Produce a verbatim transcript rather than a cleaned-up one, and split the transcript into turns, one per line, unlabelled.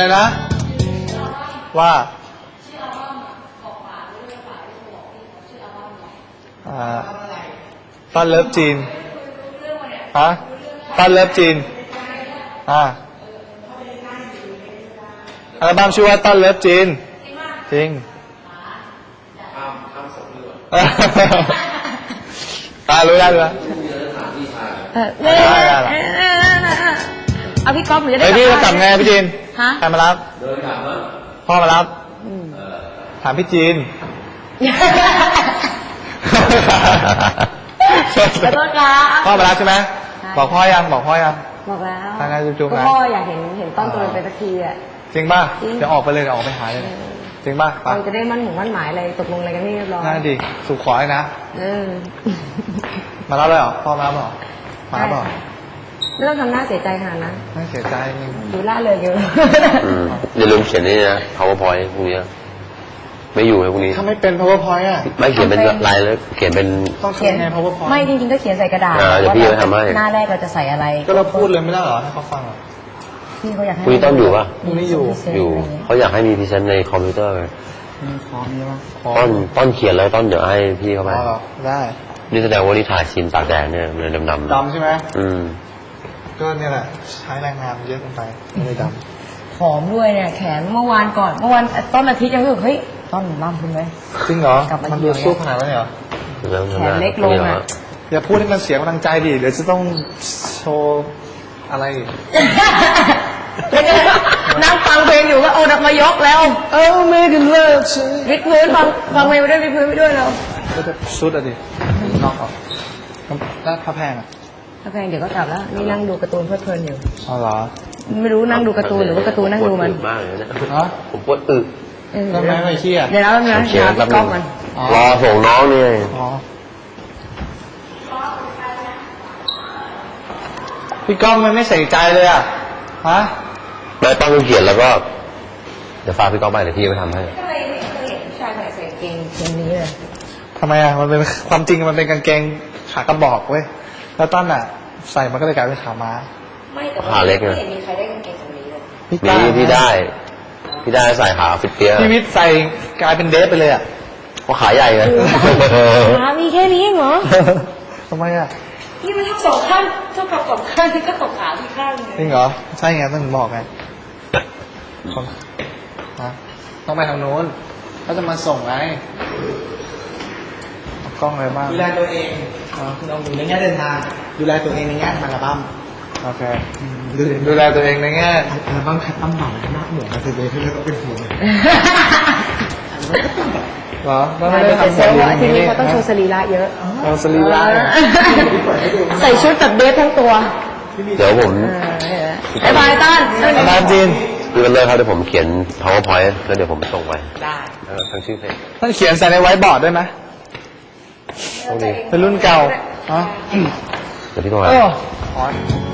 อะไรนะว่าต้นเลิฟจีนฮะต้นเลิฟจีนอ่าอัลบั้มชื่อว่าต้นเลิฟจีนจริงตารู้ได้ไหม
ได้ได้เอาพี่ก๊อฟหรือจะได้
ไอพี่จะกลับไงพี่จีนใครมารับพ่อมารับถามพี่จีน
ขอโทษครับ
พ่อมารับใช่ไหมบอกพ่อยังบอกพ่อยัง
บอกแล้ว
ทางการจุ๊บๆนะ
พ่ออยากเห็นเห็นต้นตัวเป็นสักทีอ่ะ
จริงป่ะเดี๋ยวออกไปเลยเดี๋ยวออกไปหาเลยจริงป่ะ
เราจะได้มั่นหมู่มั่นหมายอะไรตกลงอะไรกันนี่เรียบร้อย
น่าดีสุขขอเลยนะ
เออ
มารับเลยเหรอพ่อมารับเหรอมารับเหรอ
ไม่ต้องทำหน้าเสียใจขนาดนั้น
ไม่เสียใจนี่
ดูล่าเลยอยู่
อย่าลืมเขียนนี่นะ powerpoint พวกนี้ไม่อยู่ไอ้พวกนี้
ถ้าไม่เป็น powerpoint อ่ะ
ไม่เขียนเป็นลายแล้วเขียนเป็น
ต้องเขียนไง powerpoint
ไม่จริงๆก็เขียนใส่กระดาษ
เดี๋ยวพี่จะทำให้
หน้าแรกเราจะใส่อะไร
ก็เราพูดเลยไม่ได้เหรอให้เขาฟังอ่ะ
พี่เขาอยากให้
คุยต้องอยู่ป่ะ
ไม่อยู่
อยู่เขาอยากให้มีพรีเซนต์ในคอมพิวเตอร์เลย
พร้อมมีมั้ย
ต้นต้นเขียนแล้วต้นเดี๋ยวให้พี่เขาไป
ได้
นี่แสดงว่านี่ถ่ายชินตากแดดเนี่ยเลยดำดำ
ดำใช่ไหม
อืม
ก็เนี่ยแหละใช้แรงงานเยอะเกินไปไม่ได้ด
ำผอมด้วยเนี่ยแขนเมื่อวานก่อนเมื่อวานต้นอาทิตย์ยังรู้สึกเฮ้ยต้นล่ำขึ้นไหม
จริงเหรอมันดูสู้ขนาดนั้นเหรอ
แขนเล็กลงอ่ะ
อย่าพูดให้มันเสียกำลังใจดิเดี๋ยวจะต้องโชว์อะไร
นั่งฟังเพลงอยู่ก็เอาดักมายกแล้ว
เออไม่กันเลย
วิดพื้นฟังฟังเพลงไปด้วยวิดพื้นไปด้วยแล้ว
ก็จะชุดอะดินอกออกแล้วผ้าแพงอะ
ผ้าแพงเดี๋ยวก็กลับแล้วนี่นั่งดูการ์ตูนเพลิดเพลินอยู่
อ๋อเหรอ
ไม่รู้นั่งดูการ์ตูนหรือว่าการ์ตูนนั่งดูมัน
มากเลยนะ
ฮะ
ผมปวดอึ
ทำไมไม่เชี่ย
เดี๋ยวแล้วนะ
เขียน
พี่ก๊อฟมัน
รอส่งน้องนี่
พี่ก๊อฟมันไม่ใส่ใจเลยอ่ะฮะ
ไม่ต้องเขียนแล้วก็เดี๋ยวฝากพี่ก๊อฟไปเดี๋ยวพี่ไปทำให้
ทำไมไม่เคยเห็นผู้ชายใส่กางเกงเกงนี้เลย
ทำไมอ่ะมันเป็นความจริงมันเป็นกางเกงขากระบอกเว้ยแล้วต้นอ่ะใส่มันก็เลยกลายเป็นขาม้า
ไม่แต่ขาเล็กเลยไม่เห็นมีใครได้กางเกงตรงนี้เลย
มีพี่ได้พี่ได้ใส่ขาฟิตเตี้ย
พี่วิทย์ใส่กลายเป็นเดฟไปเลยอ่ะ
เพราะขาใหญ่เลย
ขามีแค่นี้เหรอ
ทำไมอ่ะ
นี่มันทั้งสองข้างเท่ากับสองข้างที่ก็ตกขาที่ข้างเลย
จริงเหรอใช่ไงต้องบอกไงต้องไปทางโน้นเขาจะมาส่งไงกล้องอะไรบ้าง
ดูแลตัวเองลองดูในแง่เดินทางดูแลตัวเองในแง่อัลบั้ม
โอเคดูแลตัวเองในแง่
อัลบั้มคัดตั้มหน่อยหน้าเหมือนกันเลยที่เราต้องเป็นห่วง
เหรอแล้วไม่ได้ทำ
เซลล์ทีนี้เขาต้องโชว์สรีระเยอะ
เอาสรีระ
ใส่ชุดแบบเดฟทั้งตัว
เดี๋ยวผม
ไอ้บายต้าน
ต้านจีน
คือมันเลยครับเดี๋ยวผมเขียน powerpoint แล้วเดี๋ยวผมส่งไป
ได้
ทั้งชื่อเพลง
ต้องเขียนใส่ในไวท์บอร์ดได้ไหมเป็นรุ่นเก่าฮะ
เดี๋ยวพี่โทรมา